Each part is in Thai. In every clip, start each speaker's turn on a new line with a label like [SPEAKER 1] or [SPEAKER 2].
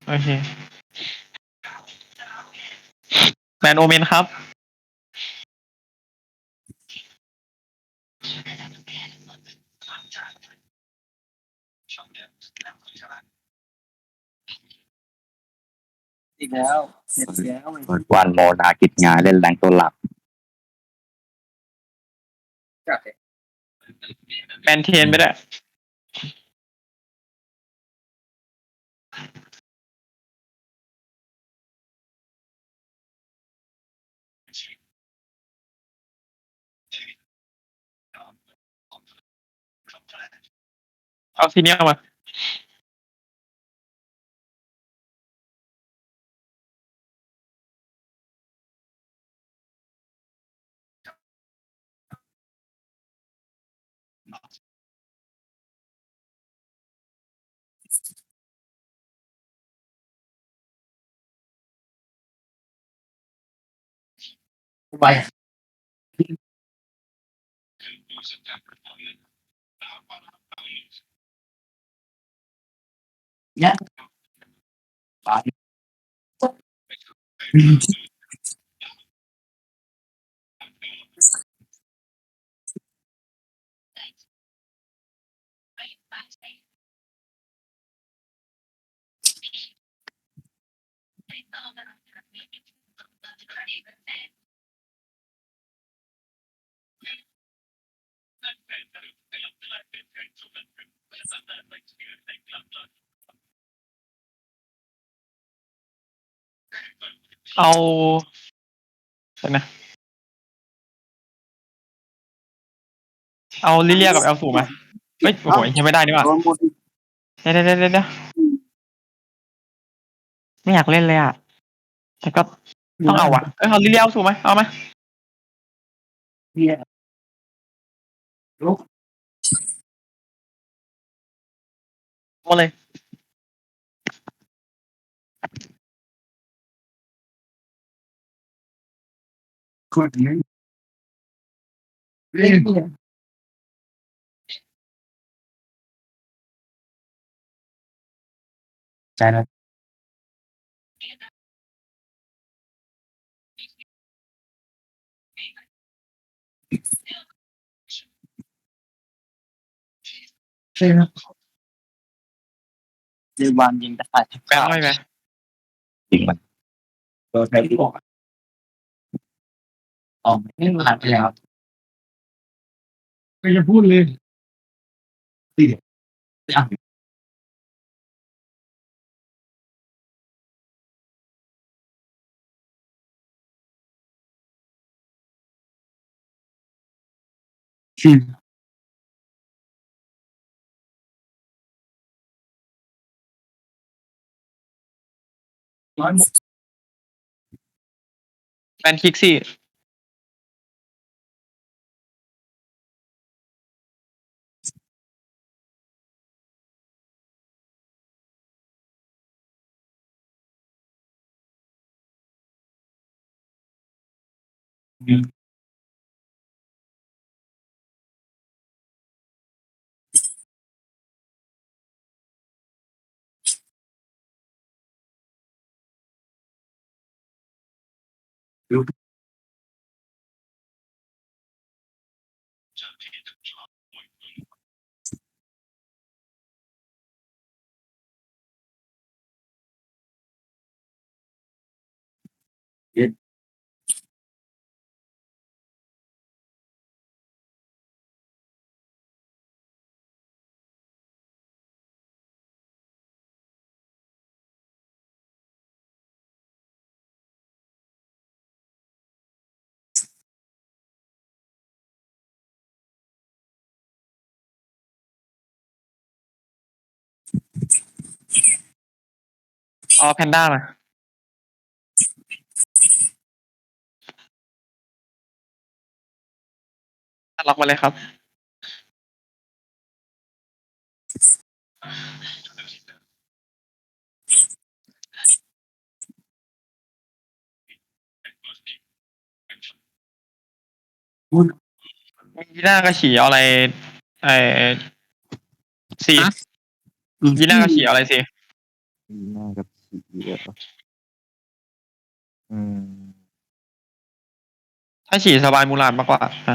[SPEAKER 1] โอเคแมนโอเมนครับ
[SPEAKER 2] อีกแล้วเสร็จแล้ว
[SPEAKER 3] วันโมนากิจงานเล่นแรงตัวหลัก
[SPEAKER 2] จัด
[SPEAKER 1] แมนเทนไปได้เอาซีเนียมา
[SPEAKER 2] ไปเนี่ยปาด
[SPEAKER 1] เอาเดี๋ยวนะเอาลิเลียกับเอลสูมาเฮ้ยโอ้โหยังไม่ได้นี่หว่าเดี๋ยวไม่อยากเล่นเลยอ่ะแต่ก็ต้องเอาว่ะเอาลิเลียเอาสูมาเอามา
[SPEAKER 2] เนี่ยลุก
[SPEAKER 1] มาเลย
[SPEAKER 2] คนนี้เล่นเนี่ยใจนะใช่ไหมเจวันยิงได้
[SPEAKER 1] แปลงไม่ไหม
[SPEAKER 3] จริงมัน
[SPEAKER 2] โดนใครที่บอกออกไม่ผ่านไปแล้วก็จะพูดเลยตีอ่ะชื่อร้อยหมด
[SPEAKER 1] แมนคิกซี่เอาแพนด้ามาล็อกมาเลยครับยีน่ากับฉีเอาอะไรไอซียีน่ากับฉีเอาอะไรซี
[SPEAKER 3] น่ากับ
[SPEAKER 4] เยอะอืม
[SPEAKER 1] ถ้าฉี่สบายมูลาดมากกว่านะ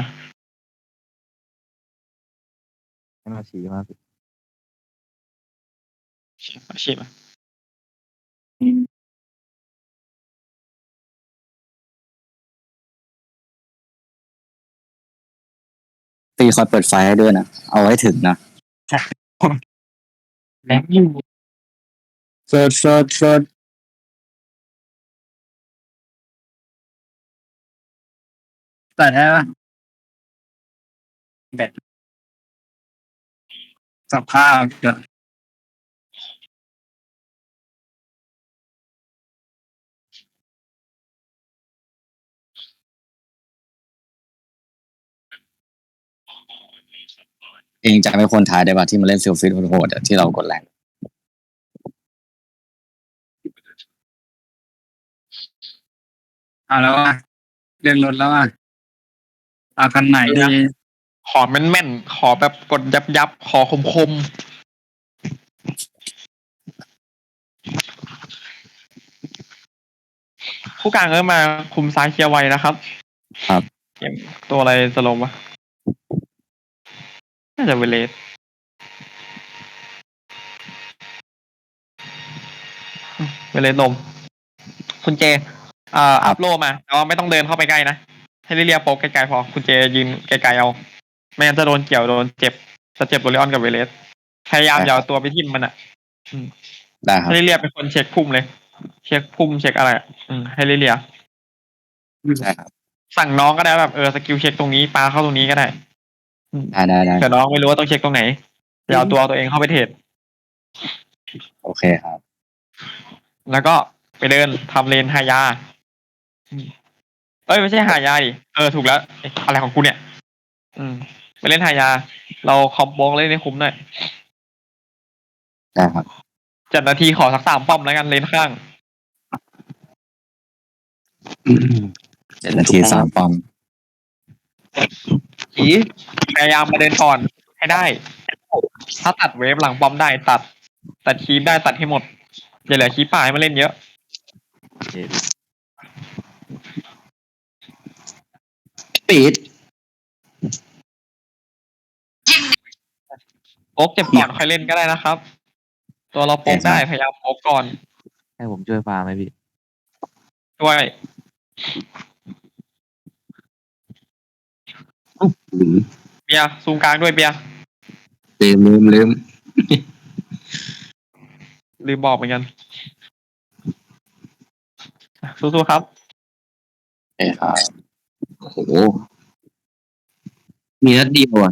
[SPEAKER 4] ให้มาชี้มาสิ
[SPEAKER 1] ฉี่มา
[SPEAKER 3] ตีคอยเปิดไฟให้ด้วยนะเอาไว้ถึงนะ
[SPEAKER 1] แรงอยู่
[SPEAKER 3] เฟิร์ส
[SPEAKER 5] แต่ได้ปะแบตสภาพเกิด
[SPEAKER 3] เองจะไม่คนท้ายได้ป่ะที่มาเล่นซิลฟิตโหดๆอะที่เรากดแรง
[SPEAKER 5] เอาแล้วว่าเรื่องรถแล้วว่าเอาคันไหนดี
[SPEAKER 1] ขอแม่นๆขอแบบกดยับขอคมผู้กลางมาคุมซ้ายเคลียร์ไวนะครับ
[SPEAKER 3] ครับ
[SPEAKER 1] เกมตัวอะไรสโลมวะน่าจะเวเลสลมคุณเจอัพโลมาแต่ว่าไม่ต้องเดินเข้าไปใกล้นะให้เรียกโป๊กไกลๆพอคุณเจยืนไกลๆเอาไม่งั้นจะโดนเกี่ยวโดนเจ็บจะเจ็บโรเลออนกับเวเลสพยายามอย่าเอาตัวไปทิ่มมันอ่ะ
[SPEAKER 3] ได้ครับ
[SPEAKER 1] ให้เรียเป็นคนเช็คพุ่มเลย เช็คพุ่มเช็คอะไรให้เรีย
[SPEAKER 3] ได้ครับ
[SPEAKER 1] สั่งน้องก็ได้แบบสกิลเช็คตรงนี้ปาเข้าตรงนี้ก็ได้
[SPEAKER 3] ได้
[SPEAKER 1] แต่น้องไม่รู้ว่าต้องเช็คตรงไหนอย่าเอาตัวเองเข้าไปเทรด
[SPEAKER 3] โอเคครับ
[SPEAKER 1] แล้วก็ไปเดินทำเลนหายาไม่ใช่หายาดิถูกแล้วอะไรของกูเนี่ยไปเล่นหายา เราคอมโบงเล่นให้คุ้มหน่อย
[SPEAKER 3] ได้ครับ
[SPEAKER 1] 7 นาทีขอสัก3 ป้อมแล้วกันเลนข้าง
[SPEAKER 3] 7 นาที3 ปอม
[SPEAKER 1] ขีพยายามมาเดินก่อนให้ได้ ถ้าตัดเวฟหลังป้อมได้ตัดคีปได้ตัดให้หมดอย่าเหลือคีปป่าให้มาเล่นเยอะ
[SPEAKER 3] ปีด
[SPEAKER 1] โป๊กเจ็บก่อนค่อยเล่นก็ได้นะครับ ตัวเราโป๊กได้พยายามโป๊กก่อน
[SPEAKER 4] ให้ผมช่วยฟาร์มไหมพี่
[SPEAKER 1] ด้วย เบียร์ซูมกลางด้วยเบียร์
[SPEAKER 3] ลืม
[SPEAKER 1] ลืมบอกเหมือนกันสู้ๆครับ
[SPEAKER 3] เอ้ครับโอ้โหมีนัดเดียวอ่ะ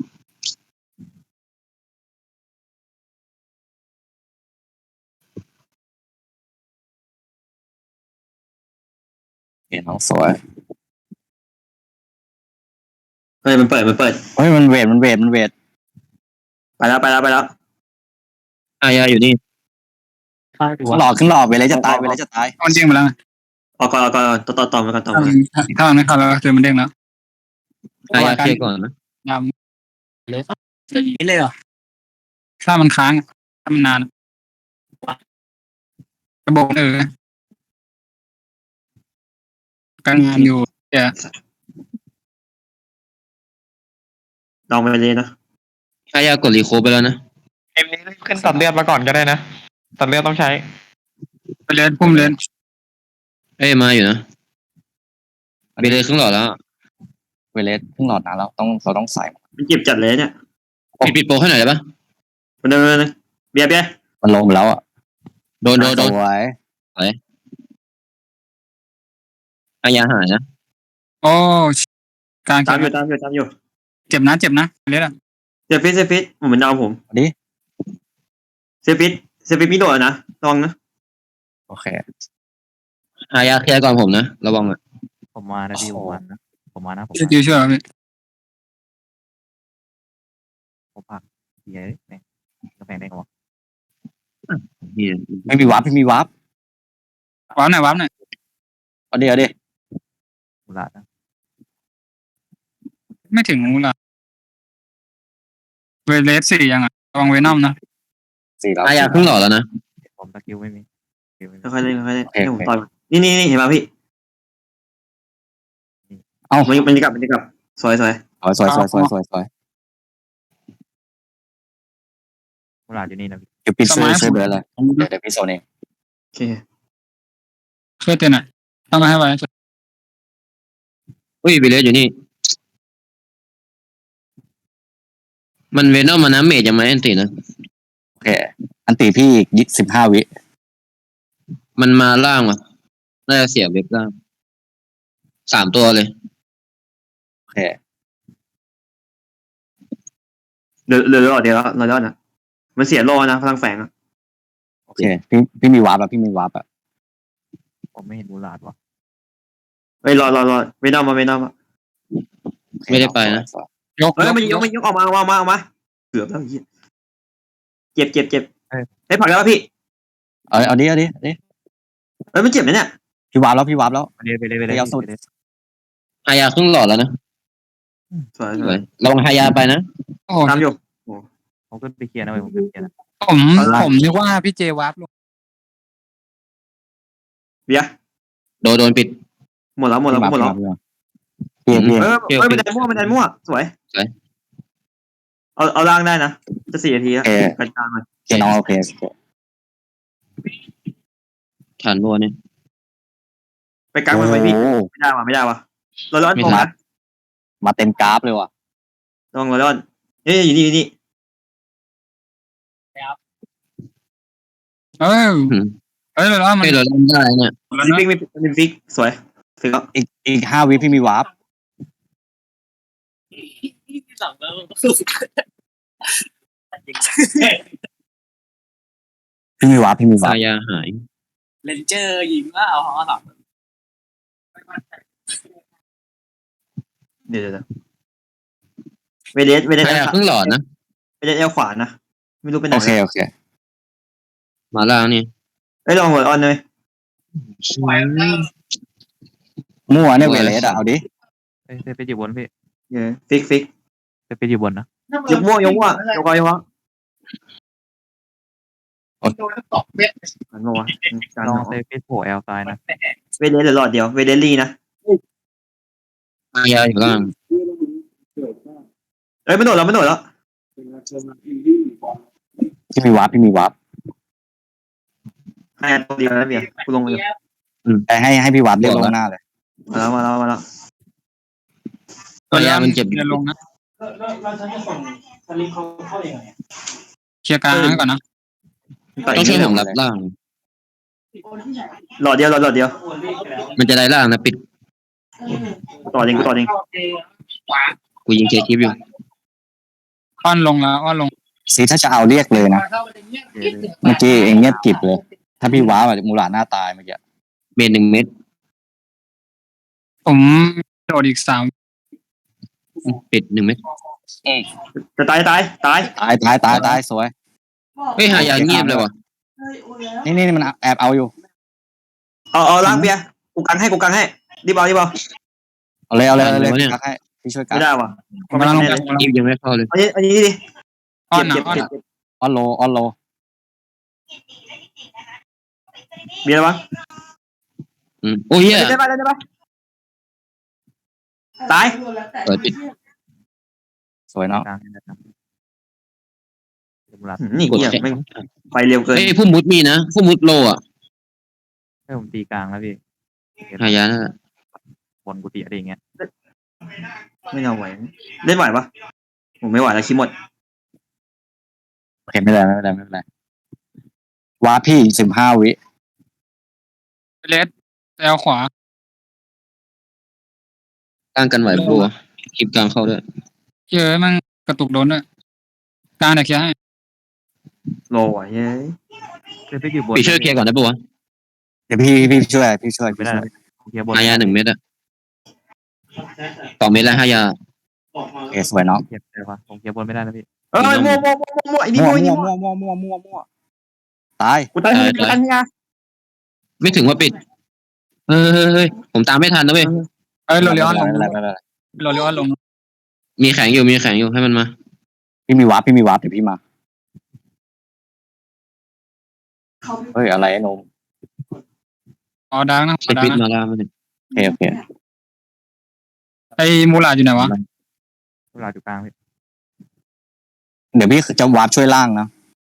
[SPEAKER 3] เห็นน้องสวย
[SPEAKER 6] เฮ้ยมันเปิด
[SPEAKER 3] เฮ้ยมันเวท
[SPEAKER 6] ไปแล้ว
[SPEAKER 3] อายาอยู่นี่หลอกขึ้นหลอกไปเลยจะตาย
[SPEAKER 5] มันเด้งไปแล้วไง
[SPEAKER 6] เอาก่อนต่อมาก่อน
[SPEAKER 5] ถ้ามันไม่เข้าแล้วก็คือมันเด้งแล้ว
[SPEAKER 3] อายาเคลียร์ก่อนนะ
[SPEAKER 5] ดำเลยนี่เลยเหรอถ้ามันค้างถ้ามันนานกระบอกการงานอยู่เดี๋ยว
[SPEAKER 6] ลองไปเลยนะ
[SPEAKER 3] อายากดรีโคไปแล้วนะ
[SPEAKER 1] เกมนี้ขึ้นตัดเลือดมาก่อนก็ได้นะตัดเลือดต้องใช้
[SPEAKER 5] ไปเล่นพุ่มเล่น
[SPEAKER 3] มาอยู่นะเบเลสครึ่งหลอดแล้วเบเลสครึ่งหลอดนะเราต้องใส่
[SPEAKER 6] มันเจ็บจัดเลยเนี่ย
[SPEAKER 3] ปิดโปรให้หน่อยได้ปะ
[SPEAKER 6] มันเดินเบียร์
[SPEAKER 3] มันลงแล้วอ่ะโดนไว้อายาหายนะ
[SPEAKER 5] โอ้กลาง
[SPEAKER 6] ตามอยู่
[SPEAKER 5] เจ็บนะเล่นอ่ะ
[SPEAKER 6] เซฟิตผมเป็นดาวผม
[SPEAKER 3] ดิ
[SPEAKER 6] เซฟิตมีโดดนะลองนะ
[SPEAKER 3] โอเคอายาเคลียร์ก่อนผมนะระวังอ่ะ
[SPEAKER 4] ผมมานะพี่ผมมานะ
[SPEAKER 5] สกิลช่วยพี่
[SPEAKER 4] ผมผักเย้แม่งกาแฟได้ไงวะ
[SPEAKER 3] ไม่มีวาร์ปไม่มีวาร์ป
[SPEAKER 5] ว้าวหน่อย
[SPEAKER 3] เอาดิ
[SPEAKER 4] กุหลาบนะ
[SPEAKER 5] ไม่ถึงงูละเวเลส4ยังอ่ะระวังเวนอมนะ
[SPEAKER 3] 4 แล้วอายาครึ่งหลอดแล้วนะ
[SPEAKER 4] ผมสกิลไม่มี
[SPEAKER 6] ค่อยๆเล่นค่อยๆเล่นให้ผมต่อยมันนี่เห็นป่ะพี่
[SPEAKER 3] เอ้า
[SPEAKER 6] มันจะกลับสวย
[SPEAKER 3] สวย
[SPEAKER 4] มูลาดอยู่นี่นะพี่
[SPEAKER 3] เดี๋ยวพี่ช่วยเบิร์ดเลยเดี๋ยวพี่โซนเอง
[SPEAKER 6] โอเค
[SPEAKER 5] ช่วยเตือนหน่อยต้องมาให้ไว้
[SPEAKER 3] อุ้ยบิเลสอยู่นี่ มันเวนอมมานะเมจยังไม่อันตินะโอเคอันติพี่อีก15 วิมันมาล่างว่ะน่าจะเสียเว็บล่าง3 ตัวเลยโอเค
[SPEAKER 6] เดี๋ยวรอนะมันเสียโลนะพลังแฝงอะ
[SPEAKER 3] โอเคพี่มีวาร์ปอะ
[SPEAKER 4] ผมไม่เห็นมูลาดว่ะ
[SPEAKER 6] เฮ้ยรอเวนอมมา
[SPEAKER 3] ไม่ได้ไปนะ
[SPEAKER 5] ยก
[SPEAKER 6] เฮ้ยมันยกออกมาเกือบแล้วเจ็บเฮ้ยผลักแล้วพี่
[SPEAKER 3] เอาดิ
[SPEAKER 6] เฮ้ยมันเจ็บไหมเนี่ย
[SPEAKER 3] พี่วาร์ปแล้ว
[SPEAKER 4] ไปเลย
[SPEAKER 3] เอาสุด ฮายาครึ่งหลอดแล้วนะ
[SPEAKER 6] สวย
[SPEAKER 3] ลองฮายาไปนะ
[SPEAKER 5] โอ้โห
[SPEAKER 6] ตามอยู่
[SPEAKER 4] ผมขึ้นไปเคลียร์นะเว้ยผมขึ้นไปเคลียร์นะ
[SPEAKER 5] ผมนึกว่าพี่เจวาร์ปลง
[SPEAKER 6] เบียร์
[SPEAKER 3] โดนปิด
[SPEAKER 6] หมดแล้ว
[SPEAKER 3] เปลี่ยน
[SPEAKER 6] เฮ้ยมันดันมั่วสวยเอาล่างได้นะจะ4 นาทีแล้วกันกลางเลย
[SPEAKER 3] น้องโอเคฐานบัวเนี่ย
[SPEAKER 6] ไปกลางมันไปพี่ไม่ได้ว่ะเราร้อนตรงนะ
[SPEAKER 3] มาเต็มกราฟเลยว่ะ
[SPEAKER 6] ระวังเราร้อนเฮ้ยอยู่นี่
[SPEAKER 5] เอ้ยแล้วมัน
[SPEAKER 3] เราเล่นได้เนี่ย
[SPEAKER 6] ฟิกสวยฟิกแล้ว
[SPEAKER 3] อีก5 วิพี่มีวาร์ปพี่มีวาร์ป
[SPEAKER 1] ฮายาหาย
[SPEAKER 5] เลนเจอร์ยิงว่าเอาหรอ
[SPEAKER 6] เดี๋ยวเวเดส
[SPEAKER 3] ฮายาครึ่งหลอดนะ
[SPEAKER 6] เวเดสเอลขวานะไม่รู้เป็นไหน
[SPEAKER 3] โอเคมาล่างนี่
[SPEAKER 6] เอ้ยลองหัวออนเลย
[SPEAKER 3] มั่วเนี่ยเวเลสเอาดิ
[SPEAKER 4] เซฟอยู่บนพี่
[SPEAKER 6] ฟิก
[SPEAKER 4] เซฟอยู่บนนะ
[SPEAKER 6] ยกมั่วยกมั่วหันมาวะการ
[SPEAKER 4] ลองเซฟโผล่แอลซ้ายนะ
[SPEAKER 6] เวเดสเหลือหลอดเดียวเวเดสลีนะ
[SPEAKER 3] ฮายาอยู่ล่าง
[SPEAKER 6] เอ้ยมันโดดแล้ว
[SPEAKER 3] พี่มีวาร์ป
[SPEAKER 6] ให้ตัวเดียวนะเบียร์กูลงมาอยู่
[SPEAKER 3] แต่ให้พี่วาร์ปเรียกลงหน้าเลย
[SPEAKER 6] มาแล้ว
[SPEAKER 3] ฮายามันเจ็บ
[SPEAKER 5] เดินลงนะ
[SPEAKER 6] เราจะส่งสลิปเขาเข้ายังไง
[SPEAKER 5] เคลียร์กลางก่อนนะ
[SPEAKER 3] ต้องช่วยผมรับล่าง
[SPEAKER 6] หลอดเดียว
[SPEAKER 3] มันจะได้ล่างนะปิด
[SPEAKER 6] ต่อเอง
[SPEAKER 3] กูยิงเคคลิปอยู่
[SPEAKER 5] อ้อนลงแล้วอ้อนลง
[SPEAKER 3] ซีถ้าจะเอาเรียกเลยนะเมื่อกี้เองเงียบกริบเลย ถ้าพี่ว้าวอะมูหลาดหน้าตายเมื่อกี้เมตร1 เม็ด
[SPEAKER 5] ผมโดดอีก
[SPEAKER 3] ปิด1 เม็ด
[SPEAKER 6] จะตาย
[SPEAKER 3] ตายสวยเฮ้ยหายาเงียบเลยว่ะนี่มันแอบเอาอยู่
[SPEAKER 6] เอาล้างเบียร์กูกันให้รีบเอา
[SPEAKER 3] เอาเลยกักให้พี่ช่วยกัก
[SPEAKER 6] ไม่ได้ว่ะ
[SPEAKER 5] ผมกำลังลงไป
[SPEAKER 3] ยิงยังไม่เข้าเลย
[SPEAKER 6] อันนี้ดิ
[SPEAKER 5] อ้อนนะ
[SPEAKER 6] เจ็บ
[SPEAKER 3] ออนโล
[SPEAKER 6] เบียร์วะ
[SPEAKER 3] โอ้ย
[SPEAKER 6] ได้ปะตาย
[SPEAKER 3] เปิดปิดสวยเนาะ
[SPEAKER 4] กลางนะครับมูลาด
[SPEAKER 6] นี่เกียร์ไม่ไปเร็วเกิน
[SPEAKER 3] เฮ้ยผู้มุดมีนะผู้มุดโลอ่ะ
[SPEAKER 4] ให้ผมตีกลางแล้วพี่
[SPEAKER 3] หายานั่นแหละ
[SPEAKER 4] บนกุฏิอะไรอย่างเงี้ย
[SPEAKER 6] ไม่เอาไหวเล่นไหวปะผมไม่ไหวแล้วคิดหมด
[SPEAKER 3] โอเคไม่เป็นไรว้าพี่15 วิ
[SPEAKER 5] เลสแอลขวา
[SPEAKER 3] ตั้งกันไหวบัวคลิปกลางเข้าด้วย
[SPEAKER 5] เยอะมันกระตุกโดนด้วยกลางเดี๋ยวเคลียร์ให้
[SPEAKER 6] โลไหวเฮ้ย
[SPEAKER 4] เซฟอยู่บน
[SPEAKER 3] พี่ช่วยเคลียร์ก่อนได้ปะวะเดี๋ยวพี่ช่วย
[SPEAKER 4] ไม่ได้เคลียร์บน
[SPEAKER 3] หายา1 เม็ดอะ2 เม็ดแล้วหายาสวยเนาะ
[SPEAKER 4] เคลียร์ได้ปะผมเคลียร์บนไม่ได้นะพี่
[SPEAKER 6] มั่วไอ้นี่มั่ว
[SPEAKER 3] ตาย
[SPEAKER 6] กูตายเนี่ย
[SPEAKER 3] ไม่ถึงว่าปิดเฮ้ยผมตามไม่ทันนะเว้ย
[SPEAKER 5] โรลิออนลง
[SPEAKER 3] ไม่เป็นไร
[SPEAKER 5] โรลิออนลง
[SPEAKER 3] มีแข็งอยู่ให้มันมาพี่มีวาร์ปเดี๋ยวพี่มาเฮ้ยอะไรไอ้นม
[SPEAKER 5] อ๋อดังนะ
[SPEAKER 3] เซฟิตมาล่างมันเนี่ย
[SPEAKER 1] โอเคโอเค
[SPEAKER 5] ไอ้มูลาดอยู่ไหนวะ
[SPEAKER 4] เวลาอยู่กลางพี่
[SPEAKER 1] เดี๋ยวพี่จะวาร์ปช่วยล่างนะ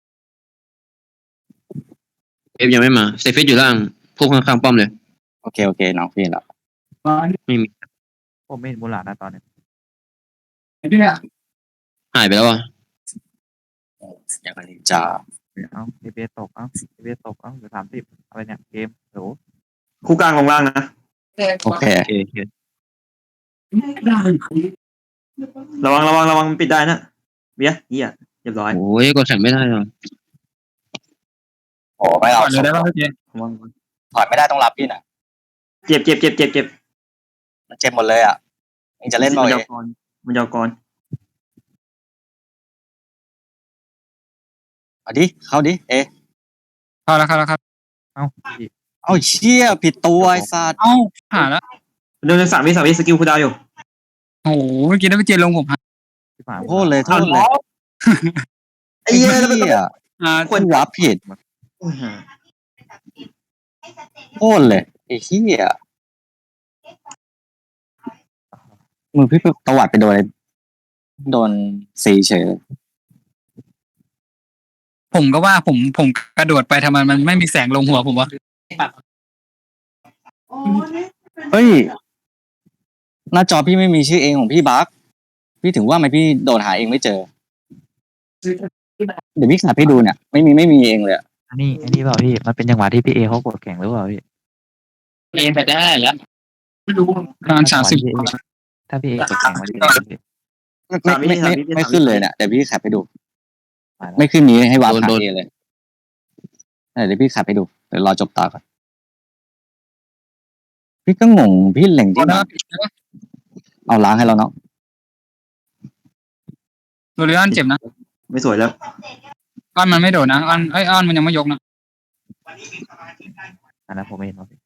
[SPEAKER 3] เอฟยังไม่มาเซฟิตอยู่ล่างพวกข้างๆป้อมเลย
[SPEAKER 1] โอเคโอเคน้องพี่แล้ว
[SPEAKER 3] ไม่มี
[SPEAKER 4] ผมไม่เห็นมูลาดนะตอนเนี้ย
[SPEAKER 3] หายไปแล้วอ่ะ
[SPEAKER 1] อย่างนี้จ้า
[SPEAKER 4] เอ้าเอเบตกเอ้าเอเบตกเอ้าเหลือ30อะไรเนี่ยเกมโห
[SPEAKER 6] คู่กลางลงล่างนะ
[SPEAKER 1] โอเค
[SPEAKER 3] โอเค
[SPEAKER 6] ระวังระวังระวังมันปิดได้นะเบียร์เหี้ยเรียบร้อย
[SPEAKER 3] โอ้ยกดแข่งไม่ได้หรอ
[SPEAKER 1] โอ้ไม่เอา
[SPEAKER 5] ก่อนเลยได้ป่ะพี่เจ
[SPEAKER 6] ระวัง
[SPEAKER 1] ถอยไม่ได้ต้องรับพี่น่ะ
[SPEAKER 6] เจ็บเจ็บเจ็บเจ็บเจ็บ
[SPEAKER 1] มันเจ็บหมดเลยอ่ะเองจะเล่น
[SPEAKER 6] มั
[SPEAKER 1] บ่อย
[SPEAKER 6] ยาวกรมันยาวกร
[SPEAKER 1] เอาดิเข้าดิเอะ
[SPEAKER 5] เข้าแล้วครับ
[SPEAKER 4] เอ้าพี่
[SPEAKER 1] เอาเชี่ยผิดตัวไอ้สัตว์
[SPEAKER 5] เอ้าหาแล้ว
[SPEAKER 6] เดิน3 วิสกิลคูลดาวน์อยู่
[SPEAKER 5] โอ้โหเมื่อกี้ได้ไปเจลงผมหา
[SPEAKER 4] ที่ผ่าน
[SPEAKER 1] โทษเลยโทษเลย
[SPEAKER 6] ไอ้เหี้ยแล้วมัน
[SPEAKER 1] เหี้ย
[SPEAKER 6] ควร
[SPEAKER 1] วาร์ปผิดโทษเลยไอ้เหี้ยมือพี่ตวัดไปโดนซีเฉยเลย
[SPEAKER 5] ผมก็ว่าผมกระโดดไปทำไมมันไม่มีแสงลงหัวผมวะ
[SPEAKER 1] เฮ้ยหน้าจอพี่ไม่มีชื่อเองของพี่บั๊กพี่ถึงว่าทำไมพี่โดดหาเองไม่เจอ เดี๋ยวพี่ขับให้ดูเนี่ยไม่มีเองเลยอะ
[SPEAKER 4] อันนี้เปล่าพี่มันเป็นจังหวะที่พี่เอเขากดแข่งหรือเปล่าพี่
[SPEAKER 5] เอ็นไปได้แล้วไม่รู้ประมาณ30
[SPEAKER 4] ถ้าพี่เอกดแข่งมันจะเป็นพี่
[SPEAKER 1] ไม่ขึ้นเลยเนี่ยเดี๋ยวพี่ขับให้ดู
[SPEAKER 4] มาแล้ว
[SPEAKER 1] ไม่ขึ้นนี้ให้วาร์ปหาเองเลยเดี๋ยวพี่ขับให้ดูเดี๋ยวรอจบตาก่อนพี่ก็งงพี่เล็งที่ไหนเอาล้างให้เราเนาะ
[SPEAKER 5] โดเรออนเจ็บนะ
[SPEAKER 6] ไม่สวยแล้ว
[SPEAKER 5] อ้อนมันไม่โดดนะอ้อนมันยังไม่ยกนะ
[SPEAKER 4] อันนั้นผมไม่เห็นว่าพี่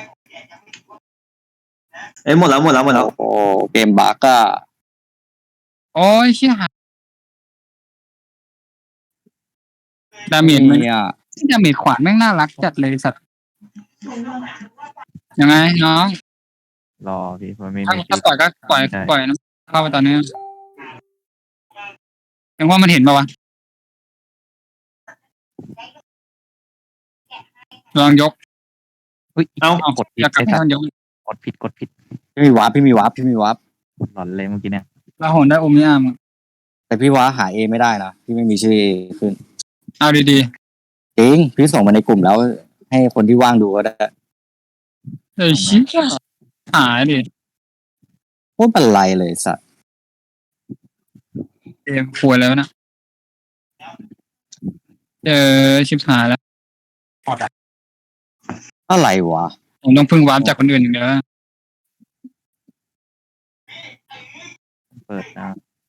[SPEAKER 6] เอ้ยหมดแล้ว
[SPEAKER 1] โอ้เกมบั๊กอะ
[SPEAKER 5] โอ้ยเชี่ยดาเมจมัน
[SPEAKER 1] เนี่ย
[SPEAKER 5] ดาเมจขวานแม่งน่ารักจัดเลยสัตว์ยังไงน้อง
[SPEAKER 4] รอพี่มันไม่
[SPEAKER 5] ถ้าปล่อยก็ปล่อยนะเข้าไปตอนนี้ยังว่ามันเห็นปะวะลองยก
[SPEAKER 4] อุ้ย
[SPEAKER 6] เอ้า
[SPEAKER 4] กดผิ
[SPEAKER 5] อ
[SPEAKER 4] ด
[SPEAKER 5] ยากกลับ
[SPEAKER 4] ไอ้
[SPEAKER 5] ให้
[SPEAKER 4] สัต
[SPEAKER 5] มัน
[SPEAKER 4] ว์
[SPEAKER 5] ยก
[SPEAKER 4] กดผิด
[SPEAKER 1] พี่มีวาร์ปพี่มีวาร์ป
[SPEAKER 4] หลอนเลยเมื่อกี้เนี่ย
[SPEAKER 5] เราโหนได้อมยามอะ
[SPEAKER 1] แต่พี่ว่าหาเอไม่ได้นะพี่ไม่มีชื่อเอขึ้น
[SPEAKER 5] เอาดี
[SPEAKER 1] จริงพี่ส่งมาในกลุ่มแล้ว ให้คนที่ว่างดูก็ได้
[SPEAKER 5] ๆเฮ้ยเชี่ยหายดิ
[SPEAKER 1] โคตรเป็นไรเลยสัตว์
[SPEAKER 5] เกมป่วยแล้วนะชิบหายแล้ว
[SPEAKER 1] อะไรวะ
[SPEAKER 5] ผมต้องพึ่งวาร์ปจากคนอื่นอย่างเดียว
[SPEAKER 4] เปิดนะ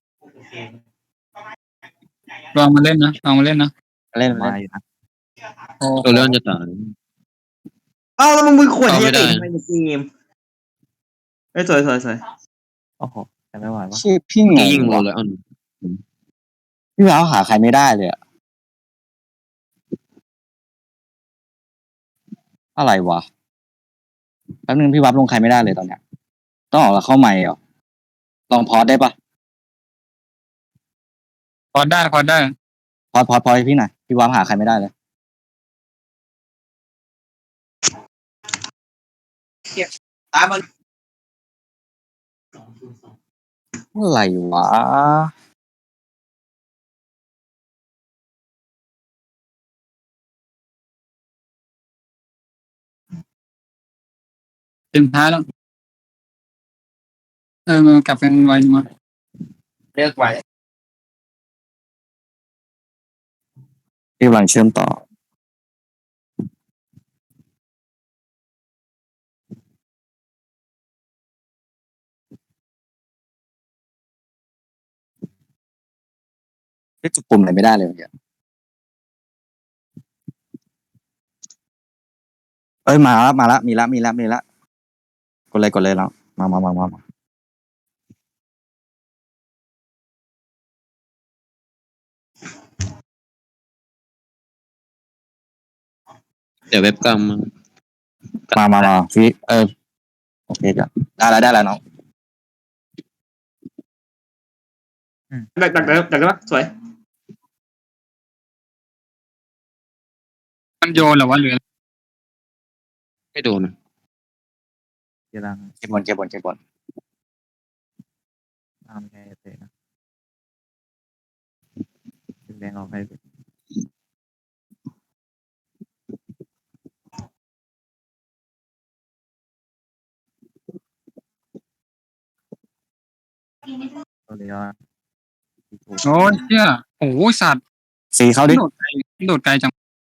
[SPEAKER 5] ลองมาเล่นนะ
[SPEAKER 1] เล่น
[SPEAKER 4] มาอยู่นะ
[SPEAKER 5] โอ้
[SPEAKER 3] โดเรอนจะตาย
[SPEAKER 6] เอ้าแล้วมึงมือขวด
[SPEAKER 3] เอา
[SPEAKER 6] เหี้
[SPEAKER 3] ไม่
[SPEAKER 6] ย
[SPEAKER 3] ได้
[SPEAKER 6] ติดทำไมในเกมเอ้ยสวย
[SPEAKER 4] โอ้โหแต่ไม่ไหววะ
[SPEAKER 1] ชื่อพี่ง
[SPEAKER 3] ยิง
[SPEAKER 1] ง
[SPEAKER 3] โด
[SPEAKER 1] ว่ะ
[SPEAKER 3] เรออน
[SPEAKER 1] พี่ว้าวหาใครไม่ได้เลยอะอะไรวะแป๊บนึงพี่วับลงใครไม่ได้เลยตอนเนี้ยต้องออกแล้วเข้าใหม่เหรอลองพอดได้ปะ
[SPEAKER 5] พอได้
[SPEAKER 1] พอดให้พี่หน่อยพี่วับหาใครไม่ได้เลยตามมันอะไรวะ
[SPEAKER 5] เต็มท้ายแล้วมันกลับกันไวมาเลือกไว
[SPEAKER 1] พี่กำลังเชื่อมต่อพี่จุดปุ่มอะไรไม่ได้เลยเมื่อกี้เอ้ยมาแล้วมีแล้วกดเลยแล้วมา
[SPEAKER 3] เดี๋ยวเว็บกลางมามาพี่โอเคจ้ะได้แล้วน้อง
[SPEAKER 6] ดักได้ปะสวย
[SPEAKER 5] มันโยนเหรอวะหรือ
[SPEAKER 3] ไม่โดนนะ
[SPEAKER 4] เกียร์ลัง
[SPEAKER 3] เก็บบอล
[SPEAKER 4] ตามแกเตะนะแดงออกไปตัวเดียว
[SPEAKER 5] โอ้ยเชี่ยโอ้ยสัตว์
[SPEAKER 3] สีเขาดิ
[SPEAKER 5] โดดไกลจัง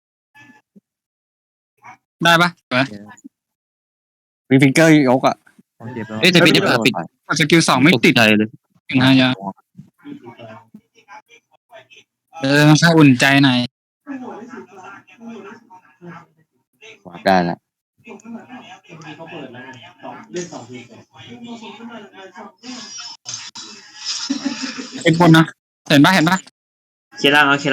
[SPEAKER 5] ได้ปะสวย
[SPEAKER 3] มีฟิงเกอร์ยกอ่ะ
[SPEAKER 4] ผมเจ็บแล้ว
[SPEAKER 3] แต่พี่ได้ปิด
[SPEAKER 5] กดสกิล2ไม่ติด
[SPEAKER 3] ใจเลย
[SPEAKER 5] ถึง5 ยาต้องใช้อุ่นใจหน่อย
[SPEAKER 3] ได้แล้ว
[SPEAKER 5] เป็นคนนะเห็นปะ
[SPEAKER 6] เคล่างเอา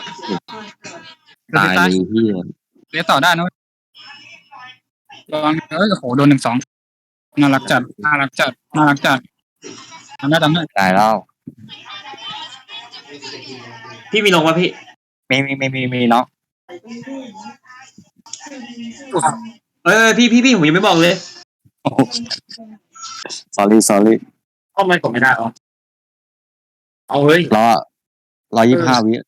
[SPEAKER 3] ตายเลยพี่
[SPEAKER 5] เลี้ยต่อได้นะระวังโอ้โหโดน1-2น่ารักจัดทำได้
[SPEAKER 3] ตายแล้ว
[SPEAKER 6] พี่มีลงวะพี่
[SPEAKER 3] มีเนาะ
[SPEAKER 6] พี่ผมยังไม่บอกเลย
[SPEAKER 3] sorry
[SPEAKER 5] ทำไมผมไม่ได้หรอเอาเฮ้ย
[SPEAKER 3] 125 วิ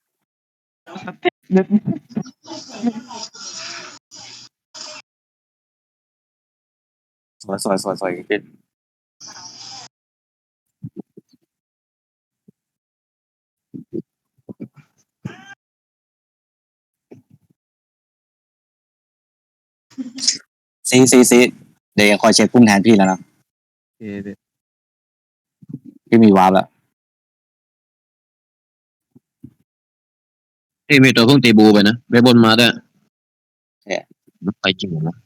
[SPEAKER 3] สวยพี่ซีเดี๋ยวยังคอยเช็คพุ่งแทนพี่แล้วนะ
[SPEAKER 4] เกียร์
[SPEAKER 3] พี่มีวาร์ปแล้ว
[SPEAKER 7] ที่มีตัวเพิ่งตีบูไปนะไปบนมาด้วยไปจริงเหรอนะ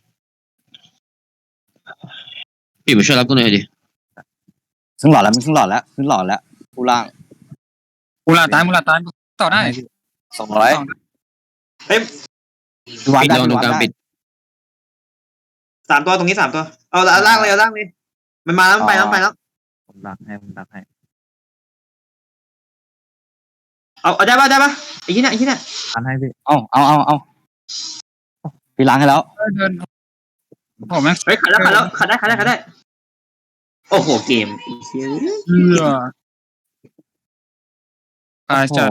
[SPEAKER 7] พี่มาช่วยรับกูหน่อยดิ
[SPEAKER 3] ขึ้นหลอดแล้วผู้ล่าง
[SPEAKER 5] มูลาตายต่อได้
[SPEAKER 3] 200
[SPEAKER 6] เฮ้ย
[SPEAKER 3] วาร์ป
[SPEAKER 7] ปิด
[SPEAKER 3] ได้
[SPEAKER 7] ลองตรงกลางปิด
[SPEAKER 6] 3 ตัวตรงนี้3 ตัวเอาล่างเลยมันมาแล้วมันไปแล้ว
[SPEAKER 4] ผมดักให้
[SPEAKER 6] เอาได้ปะไอ้ที่เนี่ย
[SPEAKER 4] อันให้พี่
[SPEAKER 3] เอาพี่ล้างให้แล้ว
[SPEAKER 5] เดินผมแม่ง
[SPEAKER 6] เฮ้ยขัดได้โอ้โหเกมไอ้เหี้ย
[SPEAKER 5] เชื่อตายจัด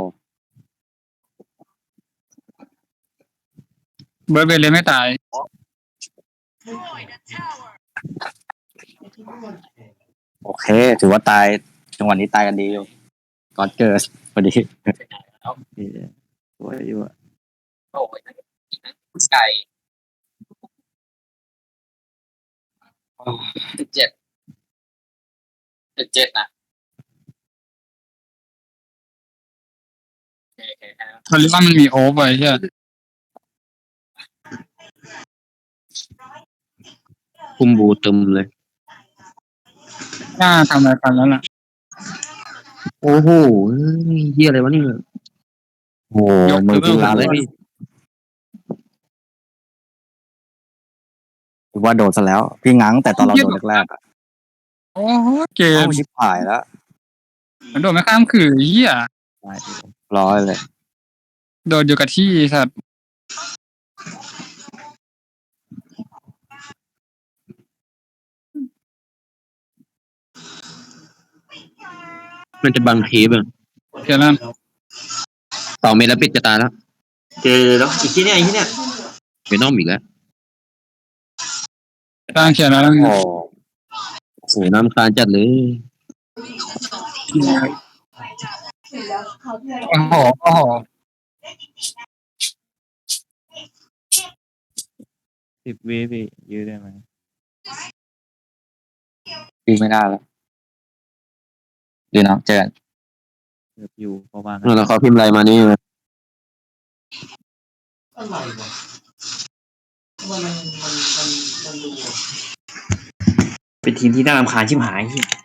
[SPEAKER 5] เบิร์ดเบลเลยไม่ตาย
[SPEAKER 3] โอเค ถือว่าตายจังหวะนี้ตายกันดีอยู่ก่อนเกิดพอดี
[SPEAKER 4] เกียร์สวยอยู่อะ
[SPEAKER 5] โอ้ยไก่17นะเขาเรียกว่ามันมีโอเวอร์ใช่ไหม
[SPEAKER 7] คุมบูตึมเลย
[SPEAKER 5] น่าทำอะไรกันแล้วล่ะ
[SPEAKER 7] โอ้โหเฮียอะไรวะนี่
[SPEAKER 3] โอ้มือพี่ล้างเลยถือว่าโดนซะแล้ว พี่ง้างแต่ตอนเราโดนแรกๆ
[SPEAKER 5] โอ้โหเกม
[SPEAKER 3] ชิบหายแล้ว
[SPEAKER 5] มันโดดไม่ข้ามคือเหี้ย
[SPEAKER 4] ตายพี่ผม
[SPEAKER 3] ร้อยเลย
[SPEAKER 5] โดดอยู่กับที่สัตว์
[SPEAKER 7] มันจะบังทีแบบ
[SPEAKER 5] เดี๋ยวนั้น
[SPEAKER 7] 2 เมตรแล้วปิดจะตายแล้ว
[SPEAKER 6] เจอแล้วอีกที่เนี่ย
[SPEAKER 7] ไปน้อมอีกแล้ว
[SPEAKER 5] ตั้งเขียนแล้ว
[SPEAKER 3] โอ้
[SPEAKER 7] โอ้โหน้ำคานจัดเลย
[SPEAKER 5] โอ้โห
[SPEAKER 4] 10 วิพี่ยืดได้ไหม
[SPEAKER 3] พี่ไม่ได้แล้วดีนะเจอกัน
[SPEAKER 4] เกือบอยู่ประมาณ
[SPEAKER 7] แล้วเขาพิมพ์อะไรมานี่
[SPEAKER 6] เป็นทีมที่น่ารำคาญชิบหาย